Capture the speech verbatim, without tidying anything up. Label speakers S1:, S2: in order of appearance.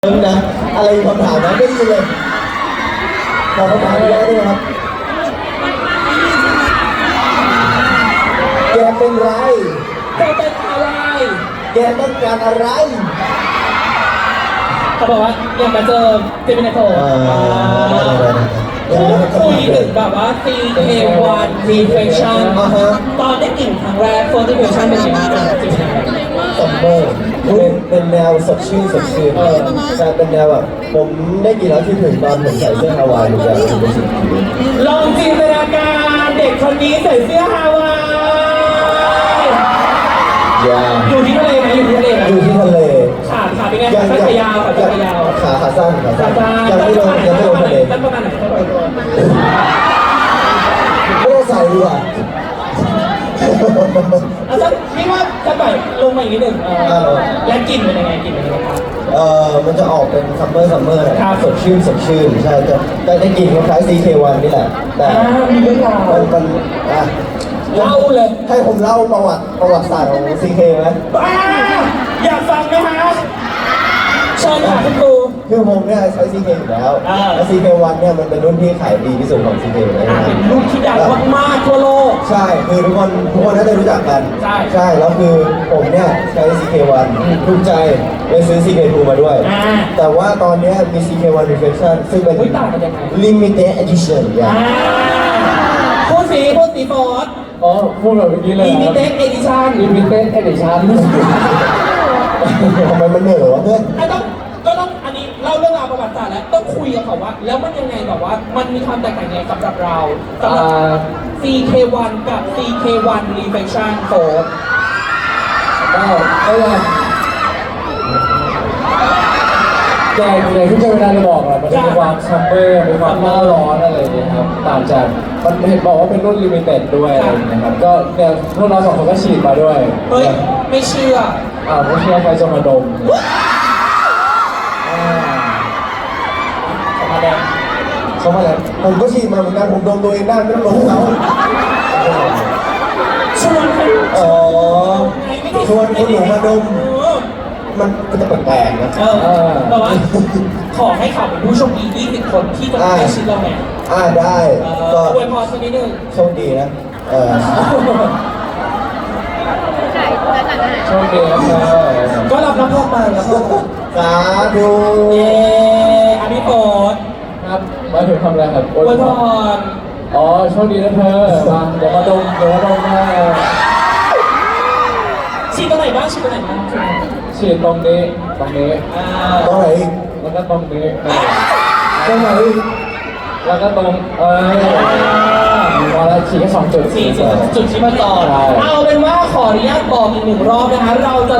S1: นะอะไรคำถามนะไม่ได้ยินเลยขอคำถามเยอะด้วยครับแกเป็นไร
S2: แกเป็นอะไร
S1: แกต้องการอะไร
S2: เขาบอกว่าอยากมาเจอเจมินาโต
S1: อ่า
S2: พูดคุยถึงแบบว่า ซี เค วัน Reflection
S1: อ่าฮะ
S2: ตอนได้กลิ่นครั้งแรก First Impression เป็นยังไงบ้างจริง
S1: ซัมเมอร์เป็นเป็นแนวสดชื่นสดชื่นใช่เป็นแนวแบบผมได้กินแล้วคิดถึงตอนผมใส่เสื้อฮาวายอยู่อย่างรู้สึกดี
S2: ลองจินตนาการเด็กคนนี้ใส่เสื้อฮาวาย
S1: อย่า
S2: อยู่ที่ทะเลไหมอยู่ที่ทะเลไหม
S1: อยู่ที่ทะเล
S2: ขาขาเป็นไงขาสั้นขายาวขาสั้นขายาว
S1: ขาขาสั้นขา
S2: ขา
S1: สั้น
S2: สั้น
S1: ยังไม่ลงยังไม่ลงทะเล
S2: สั้นประมาณไหนสั้นประมาณไหน
S1: ไม่ต้องใส่ดีกว่า
S2: เอาสักนี่ว่าจะปล่อยลงมาอีกนิดหนึ่งเออแล้วกลิ่นเป็นยังไงกลิ่นเป็นยังไงครับ
S1: เอ่อมันจะออกเป็นซัมเมอร์ซัมเมอร์
S2: ครับ
S1: สดชื่นสดชื่นใช่จะได้ได้กลิ่นคล้ายๆ ซี เค วัน นี่แหละแต่
S2: อ่ามีเรื่องราว
S1: มันมันอ่ะ
S2: เล่าเลย
S1: ให้ผมเล่าประวัติประวัติศาสตร์ของ ซี เค ไหม
S2: บ้าอยากฟังไหมฮะเชิญค่ะคุณครู
S1: คือผมเนี่ยใช้ ซี เค อยู่แล้ว
S2: อ่า
S1: แล้ว ซี เค วัน เนี่ยมันเป็นรุ่นที่ขายดีที่สุดของ ซี เค เลย
S2: อ่า
S1: นะ
S2: เป็นรุ่นที่ดังมากๆทั่วโลก
S1: ใช่คือทุกคนทุกคนน่าจะรู้จักกัน
S2: ใช่
S1: ใช่แล้วคือผมเนี่ยใช้ ซี เค วัน ภูมิใจเลยซื้อ ซี เค ทู มาด้วย
S2: อ่า
S1: แต่ว่าตอนเนี้ยมี ซี เค วัน Reflection ซึ่งเป็น
S2: เฮ้ยต่างกันยังไง
S1: Limited Edition อย่า
S2: อ่าง พูดสีพูดสีโฟร์ด
S3: อ๋อพูดแบบเมื่อกี้เลย
S2: ลิมิเต็ดเอดิชั่น
S3: ลิมิเต็ดเอดิชั่น
S1: ทำไมมันเหนื่อยวะเพื่อน
S2: ไอ้ต้องก็ต้องอันนี้เล่าเรื่องราวประวัติศาสตร์แล้วต้องคุยกับเขาว่า แล้วมันยังไงแบบว่ามันมีความแตกต่างยังไงสำหรับเราสำหรับ ซี เค วัน กับ ซี เค วัน Reflection โฟร์
S3: ก็ก็ยังแต่อย่างที่เจมินาได้บอกอะมันจะมีความซัมเมอร์มีความหน้าร้อนอะไรอย่างเงี้ยครับต่างจากมันเห็นบอกว่าเป็นรุ่นลิมิเต็ดด้วยอะไรอย่างเงี้ยครับก็เนี่ยพวกเราสองคนก็ฉีดมาด้วย
S2: เฮ้ย ไม่เชื่อ
S3: อ่าไม่เชื่อใครจะมาดมอ่า
S2: ออกมาแดง
S1: เขามาแล้วผมก็ฉีดมาเหมือนกันผมดมตัวเองได้ไม่ต้องดมเขา
S2: ชวนใคร
S1: อ๋อชวนคนหนูมาดม
S2: เออ
S1: มันก็จะแปลกๆนะ
S2: เออแบบว่าขอให้เขาเป็นผู้โชคดียี่สิบคนที่จะได้ชิ้นเราเนี่ย
S1: อ่าได้
S2: เอ
S1: ก็
S2: ออวยพรสักนิดนึง
S1: โชคดีนะเออ
S3: โชคดีนะครับ
S2: ก็รับน้ำพอกมาแล้วก็
S1: สาธุ
S2: เย้อันนี้โปรด
S3: ครับมาถึงทำอะไรครับ
S2: อวยพร
S3: อ๋อโชคดีนะเธอมาเดี๋ยวมาดมเดี๋ยวมาดมนะ
S2: ฉีดตรงไหนบ้างฉีดตรงไหนบ้าง
S3: ฉีดตรงนี้ตรงนี้
S2: อ่า
S1: ตรงไหนอีก
S3: แล้วก็ตรงนี้
S1: ตรงไหนอีก
S3: แล้วก็ตรงเออมาแล้วฉีดแค่สองจุด
S2: สี่จุดจุดที่มาจอด
S3: ใช่
S2: เอาเป็นว่าขออนุญาตบอกอีกหนึ่งรอบนะคะเราจะ